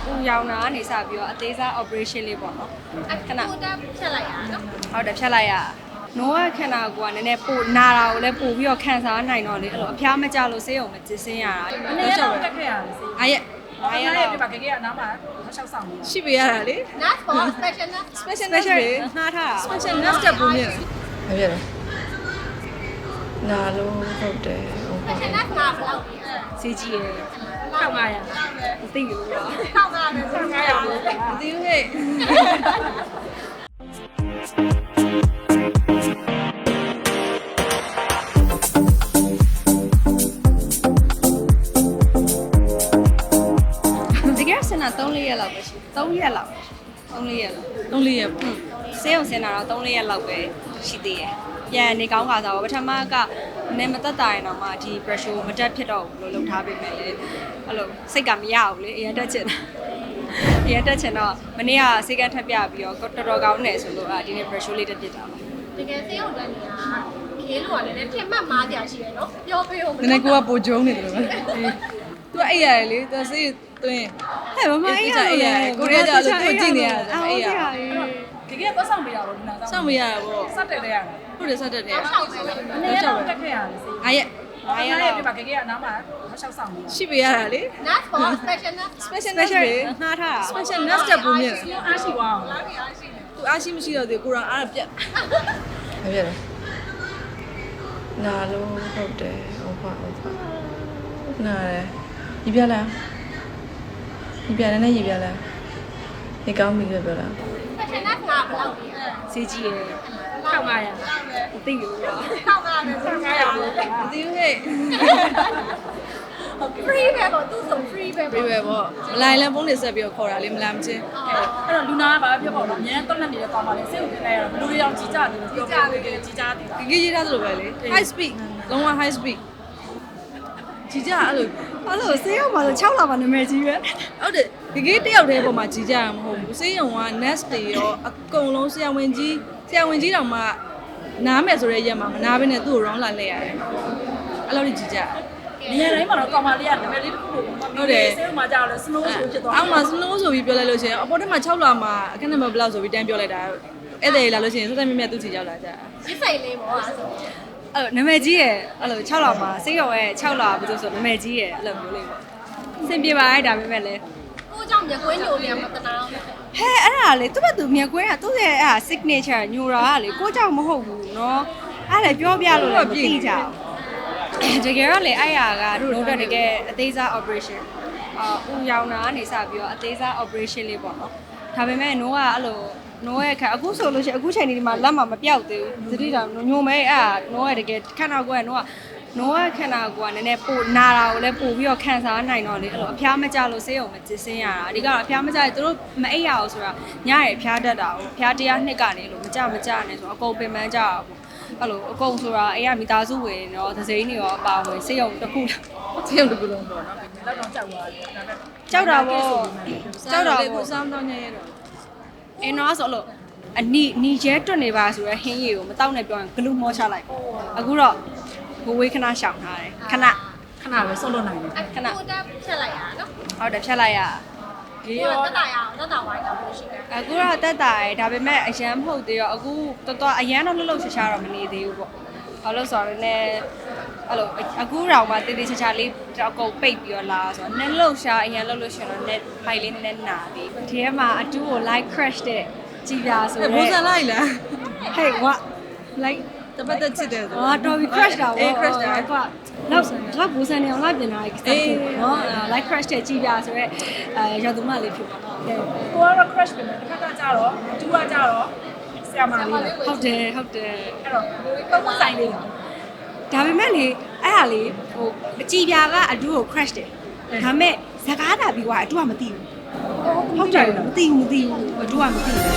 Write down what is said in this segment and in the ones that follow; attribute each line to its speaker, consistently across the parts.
Speaker 1: ဦးရောင်တာကနေစပြီးတော့အသေးစား operation လေးပေါ့နော်ခဏ
Speaker 2: ဖြတ်လိုက်ရနော်
Speaker 1: ဟုတ်တယ်ဖြတ်လိုက်ရနိုးကခန္ဓာကိုယ်ကနည်းနည်းပိုနာတာကိုလည်းပို့ပြီးတော့ခံစားနိုင်တော့လေအဲ့လိုအဖျားမကြလို့ဆေးရုံမကျစင်းရတာ
Speaker 3: အနေနဲ့တော့တက်ခဲ့ရတယ်ဆေး
Speaker 1: အားရ
Speaker 3: အားရပြပါကေကေကနားမှာမလျှောက်ဆောင်ဘူး
Speaker 4: ရှိပေးရတာလေ
Speaker 2: nurse for special nurse
Speaker 4: special nurse လေ
Speaker 1: ငှားထားတာ
Speaker 4: special nurse တက်ပုံမြင်မပြတော့နာလို့ဟုတ်တယ်ဟုတ်ပါ
Speaker 2: special nurse ကဘယ်လောက်လဲ
Speaker 1: ဆေးကြီးရယ်
Speaker 3: 1500
Speaker 1: မသိဘူးတော့
Speaker 3: 1500လို့
Speaker 4: မသိဘူးဟဲ့
Speaker 1: 3-4ရက်လောက်ပဲရှိ3ရက်လောက်3-4ရက်လောက်
Speaker 4: 3-4ရက်ပေါ့
Speaker 1: ဆေးရုံဆင်းတာတော့3-4ရက်လောက်ပဲရှိသေးတယ်ပြန်နေကောင်းခါစားပါပထမကနည်းမသက်တာရင်တော့မှဒီ pressure မတက်ဖြစ်တော့ဘူးလို့လုပ်ထားပေးမယ်လေအဲ့လိုစိတ်ကမရဘူးလေအရင်တက်ချင်တာအရင်တက်ချင်တော့မနေ့ကဆေးကန်းထပ်ပြပြီးတော့တော်တော်ကောင်းနေဆိုလို့ဒီနေ့ pressure လေးတက်ဖြစ်တာပါ
Speaker 2: တကယ်ဆေးရုံတက်နေတာခေးလို့ကလည်းထင်မှတ်မားကြရှိရနော်ပြောပေးဦး
Speaker 4: နည်းနည်းကိုကပိုဂျုံနေတယ်လို့ပဲသူကအိပ်ရတယ်လေသူစိတ်သွင်း
Speaker 1: ဟဲ့မမအေးရတယ်
Speaker 4: ကိုရီးယားကျလို့သူကြည့်နေရတယ်
Speaker 1: အေးရ
Speaker 3: ကေကေတော့ဆောင်ပေးရတော့ဒီနာ
Speaker 4: စောင့်မရတာပေါ့
Speaker 3: စက်တက်တဲ့ရတယ်
Speaker 4: ဟုတ်တယ်စက်တက်တယ်
Speaker 3: အနေနဲ့တော့တက်ခဲ့ရတယ်ဆေး
Speaker 1: အားရ
Speaker 3: အားရပြပါကေကေကနားမှာမလျှောက်ဆောင်ဘူး
Speaker 4: ရှိပေးရတာလေ
Speaker 2: nurse for special nurse
Speaker 4: special nurse လေ
Speaker 1: ငှားထားတာ
Speaker 4: special nurse တက်ပုံမြင်
Speaker 3: အားရှိသွားအောင်
Speaker 4: သူအားရှိမရှိတော့ဒီကိုရောအားပြတ်မပြတ်တော့နာလို့ဟုတ်တယ်ဟုတ်ပါနားတယ်ဒီပြလားဒီပြလည်းနဲ့ရေပြလားဒီကောင်းပြီပြောလား
Speaker 2: special nurse ကဘယ်လောက်လဲ
Speaker 1: ဆေးကြီးရယ်
Speaker 3: 1500
Speaker 1: မသိဘူးတော့
Speaker 3: 1500လို့
Speaker 4: မသိဘူးဟဲ့
Speaker 2: free ပဲပေါ့သူဆို free ပဲ
Speaker 4: ပြေပဲပေါ့မလိုက်လဲဖုန်းနေဆက်ပြီးတော့ခေါ်တာလေမလာမချင်း
Speaker 3: အဲ့တော့လူနာကဘာဖြစ်ပေါ့နော်အများတက်လက်နေတဲ့ကောင်မလေးစိတ်ကိုပြလိုက်ရတော့ဘလူတွေအောင်ကြီးကြတယ်လို့ပြောပြပေးတယ်ကြီးကြတယ်
Speaker 4: ကြီးကြီးရေးထားသလိုပဲလေ high speed လုံးဝ high speed ကြီးကြအဲ့လို
Speaker 1: ဆေးရုံမှာဆို6လပါနာမည်ကြီးပဲ
Speaker 4: ဟုတ်တယ်ဒီကြီးတယောက်တည်းပေါ်မှာကြီးကြရမဟုတ်ဘူးဆေးရုံက nurse တွေရောအကုန်လုံးဆရာဝန်ကြီးတောင်မှနားမယ်ဆိုတဲ့ရက်မှာမနာဘဲနဲ့သူ့ကို round လာလဲရတယ်အဲ့လိုကြီးကြ
Speaker 3: နေရာတိုင်းမှာတော့ကောင်မလေးကနာမည်လေးတစ်ခုလို့ဟုတ်တယ်ဆေးရုံမှာကြာတော့ slow ဆိုဖြစ်သွား
Speaker 4: အောက်မှာ slow ဆိုပြီးပြောလိုက်လို့ရှိရင်အပေါ်ထက်မှာ6လမှာအခက်နံပါတ်ဘယ်လောက်ဆိုပြီးတန်းပြောလိုက်တာအဲ့ဒါလာလို့ရှိရင်စက်မြတ်သူ့ချီရောက်လာကြ
Speaker 2: ရစ်စိတ်လေးပေါ့ဆို
Speaker 1: အဲ့လိုနာမည်ကြီးရယ်အဲ့လို6လမှာဆေးရုံရဲ့6လဘယ်လိုဆိုနာမည်ကြီးရယ်အဲ့လိုမျိုးလေးပေါ့အဆင်ပြေပါရဲ့ဒါပေမဲ့လည်း
Speaker 2: ကိုကြောင့်မြကွင်းညိုနေမှာတနာ
Speaker 1: ဟဲ့အဲ့ဒါလေသူ့ဘက်သူမြက်ကွင်းကသူ့ရဲ့အဲ့ဒါ signature ညိုတာကလေကိုကြောင့်မဟုတ်ဘူးเนาะအဲ့ဒါပြောပြလို့လည်းမသိကြဘူးတကယ်တော့လေအဲ့ဟာကတို့တကယ်အသေးစား operation ဦးရောင်တာကနေစပြီးတော့အသေးစား operation လေးပေါ့နော်ဒါပေမဲ့နိုးကအဲ့လိုနိုးရဲ့ခါအခုဆိုလို့ရှိရင်အခုချိန်ဒီမှာလက်မှာမပြောက်သေးဘူးသတိတာညိုမဲအဲ့နိုးရဲ့တကယ်ခန္ဓာကိုယ်ကနိုးကခန္ဓာကိုယ်ကနည်းနည်းပိုနာတာကိုလည်းပို့ပြီးတော့ခံစားနိုင်တော့လေအဲ့လိုအဖျားမကြလို့ဆေးရုံမကျစင်းရတာအဓိကတော့အဖျားမကြရင်သူတို့မအိပ်ရအောင်ဆိုတာညရယ်ဖျားတတ်တာကိုဖျား100နှစ်ကနေလို့မကြနဲ့ဆိုအကုန်ပင်ပန်းကြတာပေါ့အဲ့လိုအကုန်ဆိုတာအိမ်ကမိသားစုဝင်ရောသစိမ်းတွေရောအပါဝင်ဆေးရုံတစ်ခု
Speaker 4: လုံးပေါ့နော်
Speaker 3: လောက်တော့ကြောက်သွားတယ်ဒါပေမဲ့
Speaker 1: ကြောက်တာပေါ့
Speaker 4: ကိုစားမတော့ညရဲတော့
Speaker 1: အင်းတော့ဆိုလို့အနီကျဲတွတ်နေပါဆိုရဟင်းရည်ကိုမတောက်နဲ့ပြောရင်ဂလူမောချလိုက်အခုတော့ဘဝေးခဏရှောင်ထားတယ်ခဏ
Speaker 3: ပဲဆုတ်လို့နိုင်တယ်
Speaker 2: ခဏကိုတက်ဖြတ်လိုက်ရနော်
Speaker 1: ဟုတ်တယ်ဖြတ်လိုက်ရ
Speaker 2: ဒီရောတက်တာရအောင်တက်တာဝိုင်းတော့ရှိတယ်
Speaker 1: အခုတော့တက်တာရယ်ဒါပေမဲ့အရန်မဟုတ်သေးရောအခုတော်အရန်တော့လှုပ်ရှားတော့မနေသေးဘူးပေါ့ဘာလို့ဆိုတော့လည်းအဲ့လိုအခုတော့မှတေးသေးချာလေးအကုန်ပိတ်ပြီးတော့လာဆိုတော့နည်းလှုပ်ရှားအရန်လှုပ်လို့ရှိရင်တော့ net ဖိုင်လေးနည်းနာပြီဒီထဲမှာအတူကို like crash တဲ့ကြည်ပြဆိုရဲ
Speaker 4: ဘူးစားလိုက်လား
Speaker 1: hey what like
Speaker 4: တပတ်သက်ချစ်တယ်ဆို
Speaker 1: တော်ပြီ crash တာပေါ့
Speaker 4: crash တာ
Speaker 1: ကွာတော့ဘူစံနေအောင်လိုက်ပြင်လာခဲ့နော် like crash တဲ့ကြည်ပြဆိုရဲရသူမလေးဖြစ်ပါတော့
Speaker 3: ကိုကတော့ crash ပြင်တယ်တစ်ခါကကြတော့တူကကြတော့ဆရာမလေး
Speaker 1: ဟုတ်တယ်
Speaker 3: အဲ့တော့ပုံမှန်ဆိုင်လေး
Speaker 1: ဒါပေမဲ့လေအဲ့ဟာလေဟိုအကြည်ပြကအတူကို crash တယ်ဒါပေမဲ့ဇကားတာပြီးွားအတူကမသိဘူးဟုတ်တယ်မသိဘူးအတူကမသိဘူး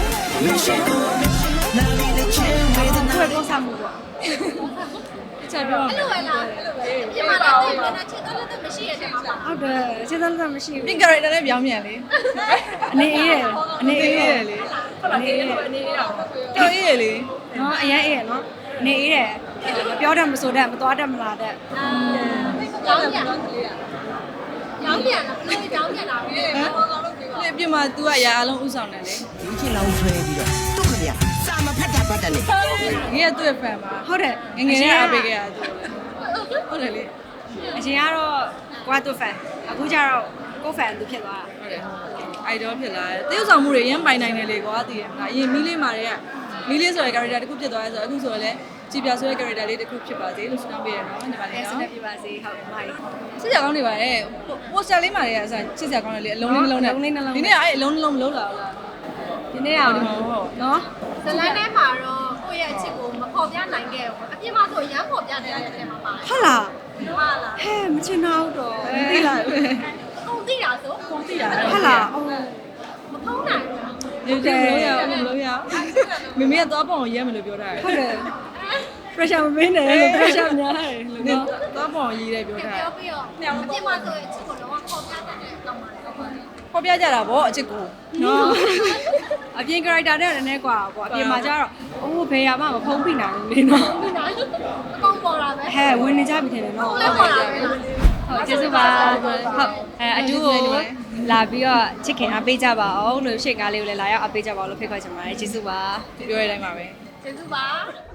Speaker 1: တော့စားမှုပေါ့
Speaker 4: ချက်ပြော
Speaker 2: အဲ့လိုပဲလားအဲ့လိုပဲပြင်မာတော့ပြင်နေချစ်တော့လည်းမရှိရတဲ့မှာပါ
Speaker 1: ဟုတ်တယ်ချစ်တော့လည်းမရှိဘူး
Speaker 4: pink character နဲ့ပြောင်းပြန်လေ
Speaker 1: အနေအေးရယ်
Speaker 4: အနေအေးရယ်လေ
Speaker 3: အနေအေးတော့
Speaker 4: တော်အေးရယ်လေ
Speaker 1: နော်အရင်အေးရယ်နော်အနေအေးရယ်မပြောတတ်မဆိုတတ်မသွားတတ်မလာတတ်
Speaker 2: ရောင်းင်းပြန်တာဘလို့ကြောင်းပြန်တာလဲ
Speaker 4: ဒီအပြင်မှာ तू ကအရာအလုံးဥဆောင်တယ်လေ
Speaker 5: ဒီချင်းလောင်းဆွဲပြီးတော့သူ့ခမရစာမဖတ်တာပတ်တယ်လေ
Speaker 4: ငယ်ကသူ့ရဲ့ fan ပါ
Speaker 1: ဟုတ်တယ်
Speaker 4: ငယ်ငယ်လေးအားပေးခဲ့ရသူဟုတ်တယ်လေ
Speaker 1: အရင်ကတော့ကိုကသူ့ fan အခုကျတော့ကို fan သူဖြစ်သွားတာ
Speaker 4: ဟုတ်တယ် idol ဖြစ်လာတယ်တရုပ်ဆောင်မှုတွေအရင်ပိုင်နိုင်တယ်လေကွာသိရမလားအရင်မီးလေးမာတဲ့ကမီးလေးဆိုတဲ့ character တစ်ခုဖြစ်သွားရဲဆိုတော့အခုဆိုတော့လေကြည်ပြဆိုတဲ့ character လေးတစ်ခုဖြစ်ပါစေလို့ဆုတောင်းပေးရနော်ညီမလေး
Speaker 1: ဆက်
Speaker 4: နော်
Speaker 1: လက်ပြပါစေဟုတ်မိုင်း
Speaker 4: ချစ်စရာကောင်းနေပါတယ် poster လေးမာတွေကအစားချစ်စရာကောင်းတယ်လေအလုံးလေးနှလုံးနဲ့ဒီနေ့အဲ့အလုံးနှလုံးမလုံးလာဘူးလား
Speaker 1: ဒီနေ့အောင်
Speaker 4: ဟုတ်
Speaker 1: နော်
Speaker 2: ဇလန်ထဲမှာတော့ကိုယ့်ရဲ့အချစ်ကိုမဖော်ပြနိုင်ခဲ့ဘူးအပြင်မှာဆိုရမ်းဖော်ပြတဲ့အထဲမှာပါတယ်
Speaker 1: ဟုတ်လား
Speaker 2: ဟာလား
Speaker 1: ဟဲ့မချင်တော့တော့
Speaker 4: မသိလား
Speaker 2: ကုန်သိတာဆို
Speaker 3: ပုံသိတာ
Speaker 1: ဟုတ်လားအော်
Speaker 2: မဖုံးနိုင်ဘူး
Speaker 4: ဒီလိုမလို့ရအောင်မလို့ရအောင်မိမိကသွားပေါအောင်ရဲမယ်လို့ပြောတာ
Speaker 1: ဟုတ်တယ် pressure မပေးနဲ့လို့ pressure များတယ်လို့
Speaker 4: နော်
Speaker 1: နော်
Speaker 4: သွားပေါအောင်ရေးတယ်ပြောတာ
Speaker 2: ပြောပြီးတော့အပြင်မှာဆိုရင်အချစ်ကိုတော့ဖော်ပြတတ်တဲ့ကောင်ပါလေ
Speaker 4: ဟောပြကြတာဗောအချစ်ကို
Speaker 1: နော်အပြင် character နဲ့လည်းနည်းกว่าပေါ့အပြင်မှာကျတော့အိုးဘယ်ရမှမဖုံးပြနိုင်ဘူးလေနော်
Speaker 2: ဒီနိုင်အကောင်ပေါ်လာပဲ
Speaker 1: ဟဲ့ဝင်နေကြပြီထင်တယ်နော်
Speaker 2: လဲပေါ်လာပဲ
Speaker 1: ဟုတ်ကျေးဇူးပါဟုတ်အတူကိုလာပြီးတော့ချစ်ခင်အားပေးကြပါအောင်လို့ရှေ့ကားလေးကိုလည်းလာရောက်အားပေးကြပါအောင်လို့ဖိတ်ခေါ်ချင်ပါတယ်ကျေးဇူးပါ
Speaker 4: ပြောရတဲ့အတိုင်းပါပဲ
Speaker 2: ကျေးဇူးပါ